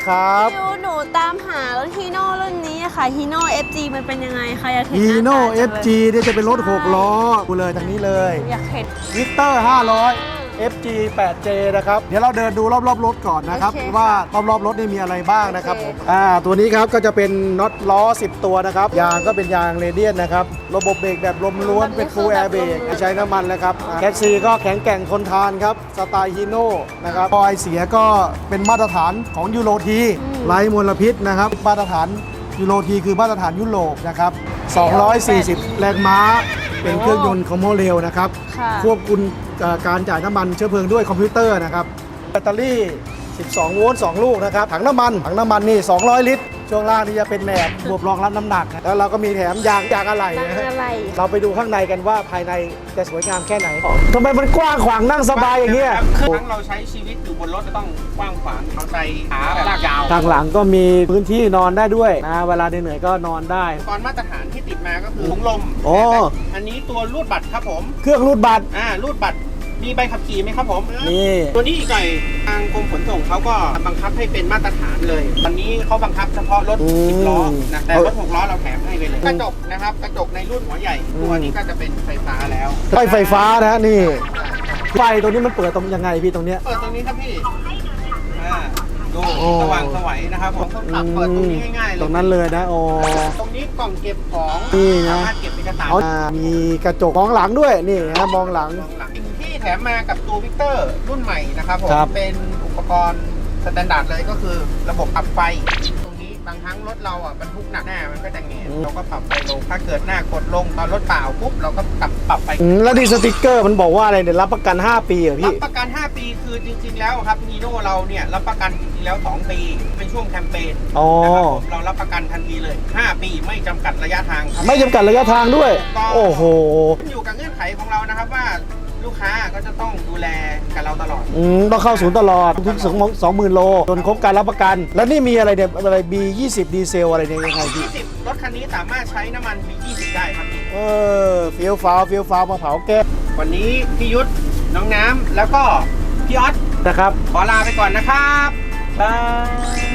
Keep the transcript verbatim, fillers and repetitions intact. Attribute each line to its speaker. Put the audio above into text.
Speaker 1: ครับ
Speaker 2: พี่ยุหนูตามหารถฮีโน่รุ่นนี้ค่ะฮีโน่ เอฟ จี มันเป็นยังไงคะอยากเห็น
Speaker 1: ฮีโน่ เอฟ จี
Speaker 2: หน้าตาจังเลย
Speaker 1: เนี่ยจะเป็นรถหกล้อดูเลยทางนี้เลย
Speaker 2: อยากเห็น
Speaker 1: วิกเตอร์ห้าร้อย เอฟ จี แปดเจ นะครับเดี๋ยวเราเดินดูรอบๆรถก่อนนะครับ
Speaker 2: โอเค
Speaker 1: ว่ารอบๆรถนี่มีอะไรบ้างนะครับ
Speaker 2: โอ
Speaker 1: ผ
Speaker 2: เค
Speaker 1: มอ่าตัวนี้ครับก็จะเป็นน็อตล้อสิบตัวนะครับยางก็เป็นยางเรเดียนนะครับระบบเบรกแบบลมล้วนเป็นฟูลแอร์เบรกไม่ใช้น้ำมันแล้วครับแคชซีก็แข็งแกร่งทนทานครับสไตล์ฮีโน่นะครับพอไอเสียก็เป็นมาตรฐานของยูโรทีไร้มลพิษนะครับมาตรฐานยูโรทีคือมาตรฐานยุโรปนะครับสองร้อยสี่สิบแรงม้าเป็นเครื่องยนต์คอมโมเรลนะครับ
Speaker 2: ค่ะ
Speaker 1: ควบคุมการจ่ายน้ำมันเชื้อเพลิงด้วยคอมพิวเตอร์นะครับแบตเตอรี่ สิบสอง โวลต์ สอง ลูกนะครับถังน้ำมันถังน้ำมันนี่ สองร้อย ลิตร ช่วงล่างนี่จะเป็นแหนบระบบรองรับน้ำหนัก แล้วเราก็มีแถมยางยางอะไหล่นะฮะ
Speaker 2: ยางอะไหล่
Speaker 1: เราไปดูข้างในกันว่าภายในจะสวยงามแค่ไหนทำไมมันกว้างขวางนั่งสบายอย่างเงี้ย
Speaker 3: คือทั้งเราใช้ชีวิตอยู่บนรถจะต้องกว้างขวางเอาใจขาแบบลากยาว
Speaker 1: ทางหลังก็มีพื้นที่นอนได้ด้วยนะเวลาเหนื่อยๆก็นอนได้
Speaker 3: ตอนมาตรฐานที่ติดมาก็คือถุงลม
Speaker 1: โอ้
Speaker 3: อันนี้ตัวรูดบัตรครับผม
Speaker 1: เครื่องรูดบัตร
Speaker 3: อ่ารูดบัตรมีใบขับขี่ไหมครับผม
Speaker 1: นี่
Speaker 3: ตัวนี้อีกหน่อยทางกรมขนส่งเขาก็บังคับให้เป็นมาตรฐานเลยตอนนี้เขาบังคับเฉพาะรถสิบล้อนะแต่รถหกล้อเราแถมให้ไปเลยกระจกนะครับกระจกในรุ่นหัวใหญ่ตัวนี้ก็จะเป็นไฟฟ้าแล้ว
Speaker 1: ไฟไฟฟ้านะฮะนี่ไฟตัวนี้มันเปิดตรงยังไงพี่ตรงเนี้ย
Speaker 3: เปิดตรงนี้ครับพี่อ่าดู
Speaker 1: โอ้
Speaker 3: สว่างสวัยนะครับผมต้องปรับเปิดตรงนี้ง่ายๆเลย
Speaker 1: ตรงนั้นเลยนะโอ้
Speaker 3: ตรงนี้กล่องเก็บของ
Speaker 1: นี่นะ
Speaker 3: สามารถเก็บเอกสาร
Speaker 1: เอามีกระจกมองหลังด้วยนี่นะมองหลัง
Speaker 3: มองหลังที่แถมมากับตัววิกเตอร์รุ่นใหม่นะครับผม
Speaker 1: ครับ
Speaker 3: เป็นอุปกรณ์สแตนดาร์ดเลยก็คือระบบปรับไฟตรงนี้บางครั้งรถเราอ่ะบรรทุกหนักหน้ามันก็จะแงนเราก็ปรับไฟลงถ้าเกิดหน้ากดลงตอนรถเปล่าปุ๊บเราก็ปรับปรับไฟ
Speaker 1: อืมแล้วดีสติกเกอร์มันบอกว่าอะไรเนี่ยรับประกัน ห้า ปีเหรอ
Speaker 3: รั
Speaker 1: พี่
Speaker 3: บประกัน ห้า ปีคือจริง ๆ แล้วครับนีโน่เราเนี่ยรับประกันจริงๆแล้ว สอง ปีเป็นช่วงแคมเปญ
Speaker 1: อ๋อ
Speaker 3: นะครับผมเรารับประกันทันทีเลย ห้า ปีไม่จำกัดระยะทางครับ
Speaker 1: ไม่จำกัดระยะทางด้วย โอ้โห
Speaker 3: ขึ้นอยู่กับเงื่อนไขของเรานะครับว่าลูกค้าก็จะต้องดูแลกับเราตลอด
Speaker 1: อืมต้องเข้าศูนย์ตลอดทุกสองสองหมื่นโลจนครบการรับประกัน แล้วนี่มีอะไรเนี่ยอะไร บี ยี่สิบ ดีเซลอะไรเนี่ยยังไงพี่
Speaker 3: ยี่สิบ รถคันนี้สามารถใช้น้ำมัน บี ยี่สิบ ได้ครับพี่
Speaker 1: เออเฟี้ยวฟ้าวเฟี้ยวฟ้าวมาเผาแก้ม
Speaker 3: วันนี้พี่ยุทธน้องน้ำแล้วก็พี่ออส
Speaker 1: นะครับ
Speaker 3: ขอลาไปก่อนนะครับ
Speaker 1: บาย